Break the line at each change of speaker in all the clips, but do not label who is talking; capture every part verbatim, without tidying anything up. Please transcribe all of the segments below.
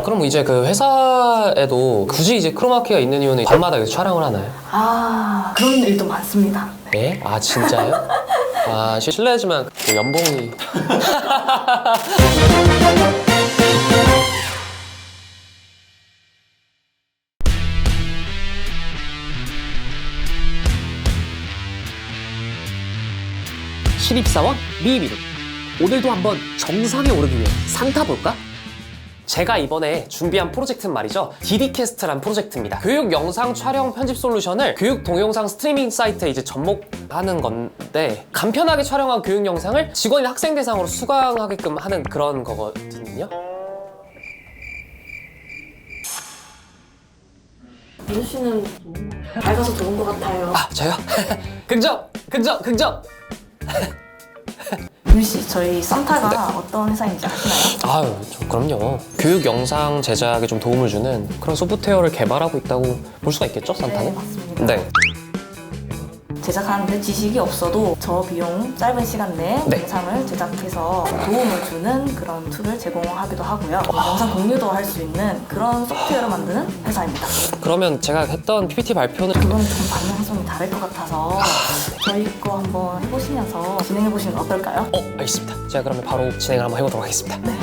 그럼 이제 그 회사에도 굳이 이제 크로마키가 있는 이유는 밤마다 여기서 촬영을 하나요?
아, 그런 일도 많습니다.
네? 아 진짜요? 아 실례지만 그 연봉이
신입사원 미미루, 오늘도 한번 정상에 오르기 위해 산 타볼까?
제가 이번에 준비한 프로젝트는 말이죠, 디디캐스트란 프로젝트입니다. 교육 영상 촬영 편집 솔루션을 교육 동영상 스트리밍 사이트에 이제 접목하는 건데, 간편하게 촬영한 교육 영상을 직원이나 학생 대상으로 수강하게끔 하는 그런 거거든요.
민수 씨는 밝아서 좋은 것 같아요.
아 저요? 긍정! 긍정! 긍정!
민수 씨, 저희 산타가 네. 어떤 회사인지 아시나요?
아유, 저 그럼요. 교육 영상 제작에 좀 도움을 주는 그런 소프트웨어를 개발하고 있다고 볼 수가 있겠죠, 산타는?
네, 맞습니다.
네.
제작하는데 지식이 없어도 저 비용 짧은 시간 내에
네.
영상을 제작해서 도움을 주는 그런 툴을 제공하기도 하고요. 영상 공유도 할 수 있는 그런 소프트웨어를 만드는 회사입니다.
그러면 제가 했던 피피티 발표는
그건 좀 방향성이 다를 것 같아서 저희 거 한번 해보시면서 진행해보시는 건 어떨까요?
어, 알겠습니다. 제가 그러면 바로 진행을 한번 해보도록 하겠습니다.
네.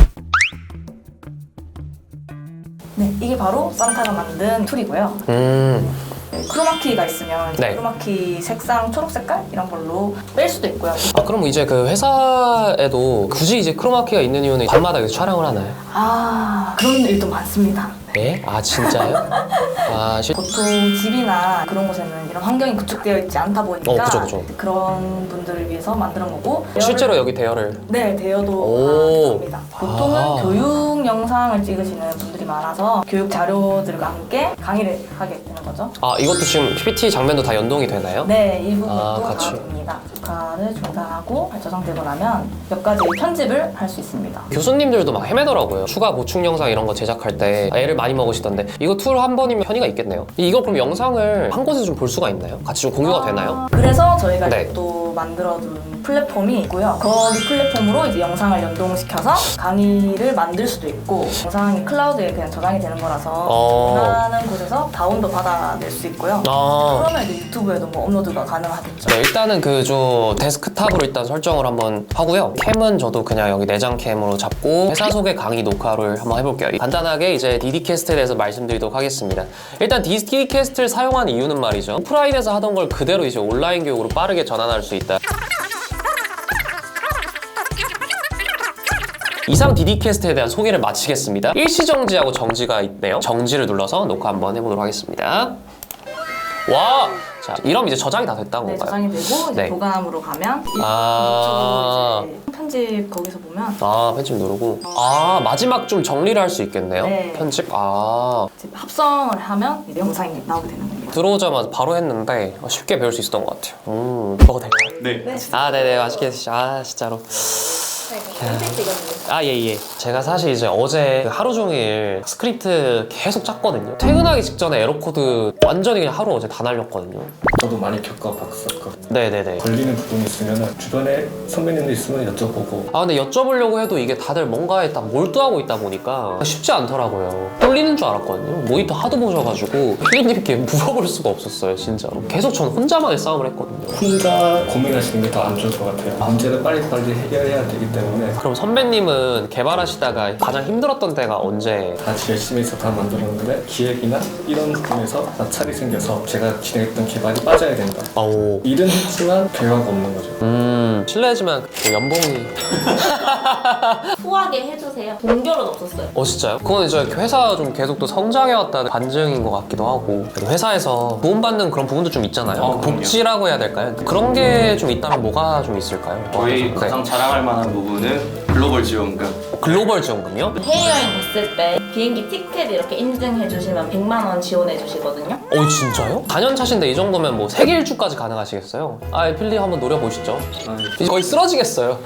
네, 이게 바로 산타가 만든 툴이고요.
음,
크로마키가 있으면
네.
크로마키 색상 초록 색깔 이런 걸로 뺄 수도 있고요.
아 그럼 이제 그 회사에도 굳이 이제 크로마키가 있는 이유는 밤마다 여기서 촬영을 하나요?
아, 그런 일도 많습니다.
네? 아 진짜요? 아 실...
보통 집이나 그런 곳에는 이런 환경이 구축되어 있지 않다 보니까
어, 그죠, 그죠.
그런 분들을 위해서 만드는 거고,
실제로 여기 대여를
네, 대여도
오.
합니다. 보통은
아.
교육 영상을 찍으시는 분들이 많아서 교육 자료들과 함께 강의를 하게 되는 거죠.
아 이것도 지금 피피티 장면도 다 연동이 되나요?
네, 이 부분도
아,
다
같이.
됩니다. 녹화를 중단하고 저장되고 나면 몇 가지 편집을 할 수 있습니다.
교수님들도 막 헤매더라고요. 추가 보충 영상 이런 거 제작할 때 애를 많이 먹으시던데, 이거 툴 한 번이면 편의가 있겠네요. 이거 그럼 영상을 한 곳에서 좀 볼 수가 있나요? 같이 좀 공유가
아,
되나요?
그래서 저희가
네.
이제 또 만들어둔 플랫폼이 있고요. 거기 플랫폼으로 이제 영상을 연동시켜서 강의를 만들 수도 있고, 영상이 클라우드에 그냥 저장이 되는 거라서
어.
원하는 곳에서 다운도 받아낼 수 있고요.
아.
그러면 이제 유튜브에도 뭐 업로드가 가능하겠죠.
네, 일단은 그 저 데스크탑으로 일단 설정을 한번 하고요. 캠은 저도 그냥 여기 내장 캠으로 잡고 회사 소개 강의 녹화를 한번 해볼게요. 간단하게 이제 디디캐스트에 대해서 말씀드리도록 하겠습니다. 일단 디디캐스트를 사용한 이유는 말이죠, 오프라인에서 하던 걸 그대로 이제 온라인 교육으로 빠르게 전환할 수 있다. 이상 디디캐스트에 대한 소개를 마치겠습니다. 일시정지하고 정지가 있네요. 정지를 눌러서 녹화 한번 해보도록 하겠습니다. 와! 자, 이러면 이제 저장이 다 됐다는
네,
건가요?
저장이 되고 이제
네.
보관함으로 가면
아.
이쪽으로 이제 편집 거기서 보면
아, 편집 누르고. 아, 마지막 좀 정리를 할 수 있겠네요.
네.
편집. 아.
이제 합성을 하면 이제 영상이 나오게 되는 겁니다.
들어오자마자 바로 했는데 쉽게 배울 수 있었던 것 같아요. 음, 먹어도 될까요?
네.
네.
아, 네네. 맛있게 드시죠. 아, 진짜로. 아, 예, 예. 제가 사실 이제 어제 그 하루 종일 스크립트 계속 짰거든요. 퇴근하기 직전에 에러코드 완전히 그냥 하루 어제 다 날렸거든요.
저도 많이 겪어봤었거든요.
네네네.
걸리는 부분이 있으면 주변에 선배님들 있으면 여쭤보고.
아, 근데 여쭤보려고 해도 이게 다들 뭔가에 딱 몰두하고 있다 보니까 쉽지 않더라고요. 뚫리는 줄 알았거든요. 모니터 하도 보셔가지고 피디님께 물어볼 수가 없었어요, 진짜로. 계속 전 혼자만의 싸움을 했거든요.
혼자 고민하시는 게 더 안 좋을 것 같아요. 문제를 빨리빨리 해결해야 되기 때문에
그럼 선배님은 개발하시다가 가장 힘들었던 때가 언제?
같이 열심히 해서 다 만들었는데 기획이나 이런 부분에서 마찰이 생겨서 제가 진행했던 개발이 빠져야 된다.
아오.
일은 했지만 결과가 없는 거죠.
음, 실례지만 그 연봉이.
후하게 해주세요. 동결은 없었어요.
어, 진짜요? 그건 이제 회사가 좀 계속 또 성장해왔다는 반증인 것 같기도 하고, 회사에서 도움받는 그런 부분도 좀 있잖아요.
어, 그럼요.
복지라고 해야 될까요? 그런 게 좀 있다면 뭐가 좀 있을까요?
저희
네.
가장 자랑할 만한 부분은 글로벌 지원금.
글로벌 지원금이요?
해외여행 갔을 때 비행기 티켓 이렇게 인증해 주시면 백만 원 지원해 주시거든요.
어, 진짜요? 사 년 차신데 이 정도면 뭐 세계 일주까지 가능하시겠어요? 아, 필리 한번 노려보시죠. 이제 거의 쓰러지겠어요.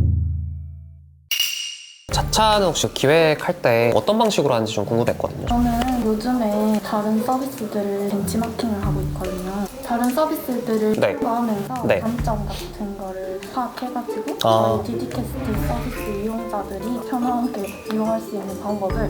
자차는 혹시 기획할 때 어떤 방식으로 하는지 좀 궁금했거든요.
저는 요즘에 다른 서비스들을 벤치마킹을 하고 있거든요. 다른 서비스들을
네.
추가하면서
네.
장점 같은 거를 파악해가지고
아.
저희 디디캐스트 서비스 이용자들이 편하게 이용할 수 있는 방법을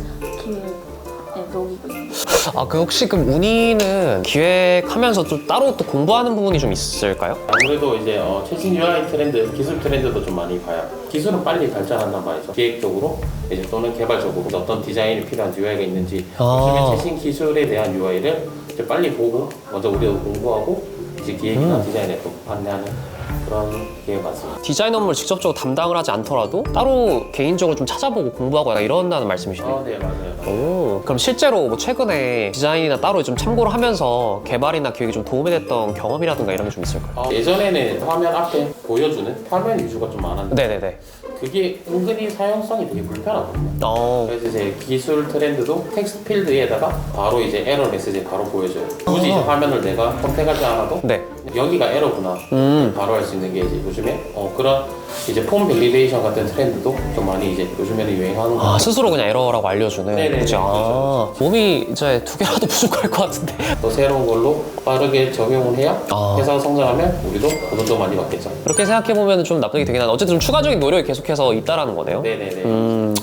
기획에 녹이고 있습니다.
아, 그 혹시 그럼 운이는 기획하면서 좀 따로 또 공부하는 부분이 좀 있을까요?
아무래도 이제 어, 최신 유아이 트렌드, 기술 트렌드도 좀 많이 봐요. 기술은 빨리 발전한단 말이죠. 기획적으로 이제 또는 개발적으로 어떤 디자인이 필요한 유아이가 있는지
아.
요즘에 최신 기술에 대한 유아이를 이제 빨리 보고 먼저 우리도 공부하고 이제 기획이나
음.
디자인에 또 안내하는 그런 게 맞습니다.
디자인 업무를 직접적으로 담당을 하지 않더라도 따로 개인적으로 좀 찾아보고 공부하고 약간 이런다는 말씀이시네요.
어, 네 맞아요.
오, 그럼 실제로 뭐 최근에 디자인이나 따로 좀 참고를 하면서 개발이나 기획이 좀 도움이 됐던 경험이라든가 이런 게 좀 있을까요?
어, 예전에는 화면 앞에 보여주는 화면 위주가 좀 많았는데
네네네.
그게 은근히 사용성이 되게 불편하거든요.
어,
그래서 이제 기술 트렌드도 텍스트 필드에다가 바로 이제 에러 메시지 바로 보여줘요. 굳이 이제 화면을 내가 선택하지 않아도
네.
여기가 에러구나
음.
바로 할 수 있는 게 이제 요즘에 어, 그런 이제 폼 밸리데이션 같은 트렌드도 좀 많이 이제 요즘에는 유행하는 거
아, 스스로 그냥 에러라고 알려주는.
네네네,
그치? 아, 몸이 이제 두 개라도 부족할 것 같은데.
또 새로운 걸로 빠르게 적용을 해야
아.
회사가 성장하면 우리도 돈도 많이 받겠죠.
그렇게 생각해보면 좀 납득이 되긴 하는데 어쨌든 좀 추가적인 노력이 계속해서 있다라는 거네요.
네네네.
음,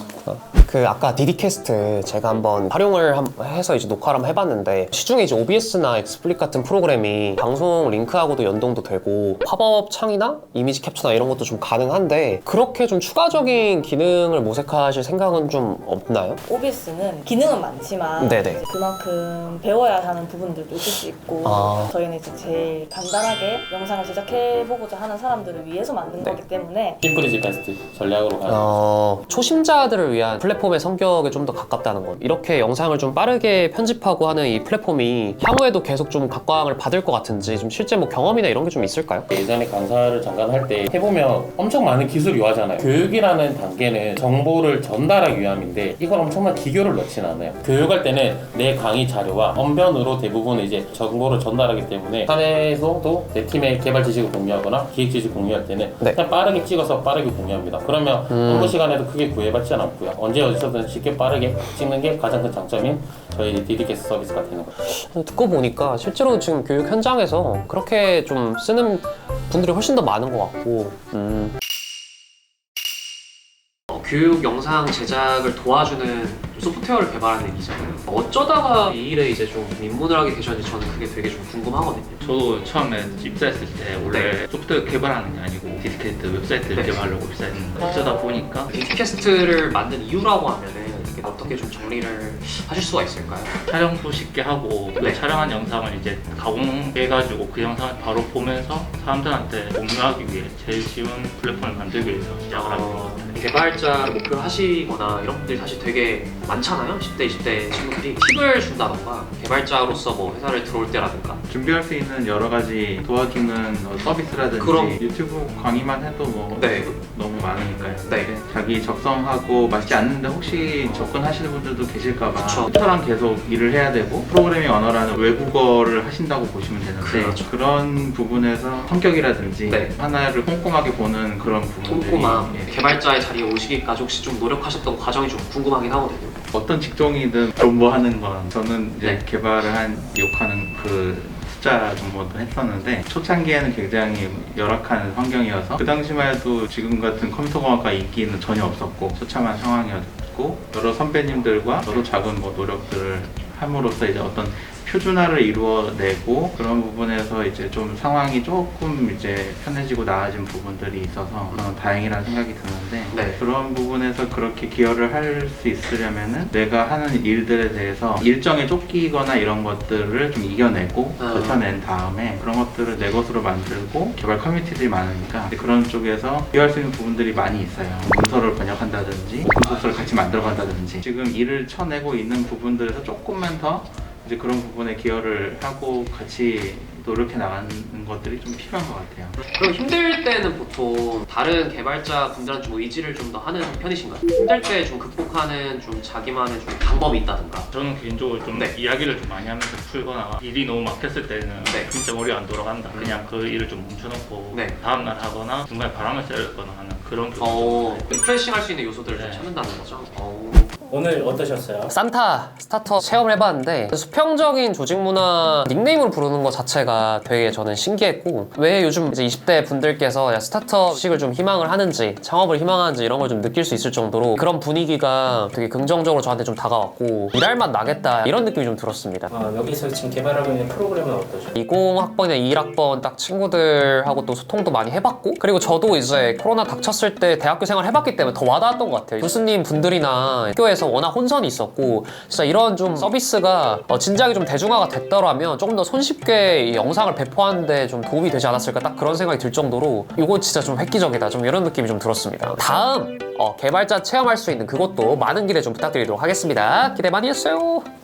그 아까 디디캐스트 제가 한번 활용을 함- 해서 이제 녹화를 한번 해봤는데 시중에 이제 오비에스나 엑스플릿 같은 프로그램이 방송 링크하고도 연동도 되고 팝업 창이나 이미지 캡처나 이런 것도 좀 가능한데 그렇게 좀 추가적인 기능을 모색하실 생각은 좀 없나요?
오비에스는 기능은 많지만
네네.
이제 그만큼 배워야 하는 부분들도 있을 수 있고
아.
저희는 이제 제일 간단하게 영상을 제작해보고자 하는 사람들을 위해서 만든
네.
거기 때문에
심플이지 베스트 전략으로 가는
어, 초심자들을 위한 플랫폼의 성격에 좀 더 가깝다는 것. 이렇게 영상을 좀 빠르게 편집하고 하는 이 플랫폼이 향후에도 계속 좀 각광을 받을 것 같은지 좀 실제 뭐 경험이나 이런 게 좀 있을까요?
예전에 강사를 잠깐 할 때 해보면 엄청 많은 기술이 요하잖아요. 교육이라는 단계는 정보를 전달하기 위함인데 이걸 엄청난 기교를 넣지는 않아요. 교육할 때는 내 강의 자료와 언변으로 대부분 이제 정보를 전달하기 때문에 사내에서도 내 팀의 개발 지식을 공유하거나 기획 지식 공유할 때는
네.
그냥 빠르게 찍어서 빠르게 공유합니다. 그러면
음.
업무 시간에도 크게 구애받지 않고요. 언제 어디서든 쉽게 빠르게 찍는 게 가장 큰 장점인 저희 디디캐스트 서비스가 되는 거죠.
듣고 보니까 실제로 지금 교육 현장에서 그렇게 좀 쓰는 분들이 훨씬 더 많은 것 같고 음. 어, 교육 영상 제작을 도와주는 소프트웨어를 개발하는 일이잖아요. 어쩌다가 이 일에 이제 좀 입문을 하게 되셨는지 저는 그게 되게 좀 궁금하거든요.
저도 처음에 입사했을 때 원래
네.
소프트웨어 개발하는 게 아니고 디디캐스트 웹사이트를
네.
개발하려고 입사했는데 어쩌다 보니까
디디캐스트를 만든 이유라고 하면은 이게 어떻게 좀 정리를 하실 수가 있을까요?
촬영도 쉽게 하고 그
네.
촬영한 영상을 이제 가공해가지고 그 영상을 바로 보면서 사람들한테 공유하기 위해 제일 쉬운 플랫폼을 만들기 위해서 시작을 하게 됐습니다.
개발자를 목표로 하시거나 이런 분들이 사실 되게 많잖아요. 십 대, 이십 대 친구들이 팁을 준다던가 개발자로서 뭐 회사를 들어올 때라든가
준비할 수 있는 여러 가지 도와주는 뭐 서비스라든지
그럼-
유튜브 강의만 해도 뭐
네.
너무 많으니까요.
네.
근데 자기 적성하고 맞지 않는데 혹시 접근하시는 분들도 계실까봐
그쵸.
저랑 계속 일을 해야 되고 프로그래밍 언어라는 외국어를 하신다고 보시면 되는데
그렇죠.
그런 부분에서 성격이라든지
네.
하나를 꼼꼼하게 보는 그런 부분들이
꼼꼼한
예.
개발자의 자리에 오시기까지 혹시 좀 노력하셨던 과정이 좀 궁금하긴 하거든요.
어떤 직종이든 존버하는 건 저는 이제
네.
개발을 한 욕하는 그 숫자 정도도 했었는데 초창기에는 굉장히 열악한 환경이어서 그 당시만 해도 지금 같은 컴퓨터공학과 인기는 전혀 없었고 처참한 상황이었고 여러 선배님들과 저도 작은 뭐 노력들을 함으로써 이제 어떤 표준화를 이루어내고 그런 부분에서 이제 좀 상황이 조금 이제 편해지고 나아진 부분들이 있어서 어, 다행이라는 생각이 드는데
네.
그런 부분에서 그렇게 기여를 할 수 있으려면은 내가 하는 일들에 대해서 일정에 쫓기거나 이런 것들을 좀 이겨내고
아.
버텨낸 다음에 그런 것들을 내 것으로 만들고 개발 커뮤니티들이 많으니까 그런 쪽에서 기여할 수 있는 부분들이 많이 있어요. 문서를 번역한다든지 오픈소스를 같이 만들어간다든지 지금 일을 쳐내고 있는 부분들에서 조금만 더 이제 그런 부분에 기여를 하고 같이 노력해 나가는 것들이 좀 필요한 것 같아요.
그럼 힘들 때는 보통 다른 개발자 분들한테 좀 의지를 좀 더 하는 편이신가요? 힘들 때 좀 극복하는 좀 자기만의 좀 방법이 있다든가.
저는 개인적으로 좀
네.
이야기를 좀 많이 하면서 풀거나 일이 너무 막혔을 때는
네.
진짜 머리가 안 돌아간다.
음.
그냥 그 일을 좀 멈춰놓고
네.
다음날 하거나 중간에 바람을 쐬거나 하는 그런
어,
경우도
리프레싱 할 수 있는 요소들을 좀
네.
찾는다는 거죠. 어.
오늘 어떠셨어요?
산타 스타터 체험을 해봤는데 수평적인 조직 문화 닉네임으로 부르는 것 자체가 되게 저는 신기했고 왜 요즘 이제 이십 대 분들께서 스타트업식을 좀 희망을 하는지 창업을 희망하는지 이런 걸 좀 느낄 수 있을 정도로 그런 분위기가 되게 긍정적으로 저한테 좀 다가왔고 일할 맛 나겠다 이런 느낌이 좀 들었습니다.
아, 여기서 지금 개발하고 있는 프로그램은 어떠죠?
이십 학번이나 이십일 학번 딱 친구들하고 또 소통도 많이 해봤고 그리고 저도 이제 코로나 닥쳤을 때 대학교 생활 해봤기 때문에 더 와닿았던 것 같아요. 교수님 분들이나 학교에서 워낙 혼선이 있었고 진짜 이런 좀 서비스가 어, 진작에 좀 대중화가 됐더라면 조금 더 손쉽게 이 영상을 배포하는데 좀 도움이 되지 않았을까 딱 그런 생각이 들 정도로 이거 진짜 좀 획기적이다 좀 이런 느낌이 좀 들었습니다. 다음 어, 개발자 체험할 수 있는 그것도 많은 기대 좀 부탁드리도록 하겠습니다. 기대 많이 했어요.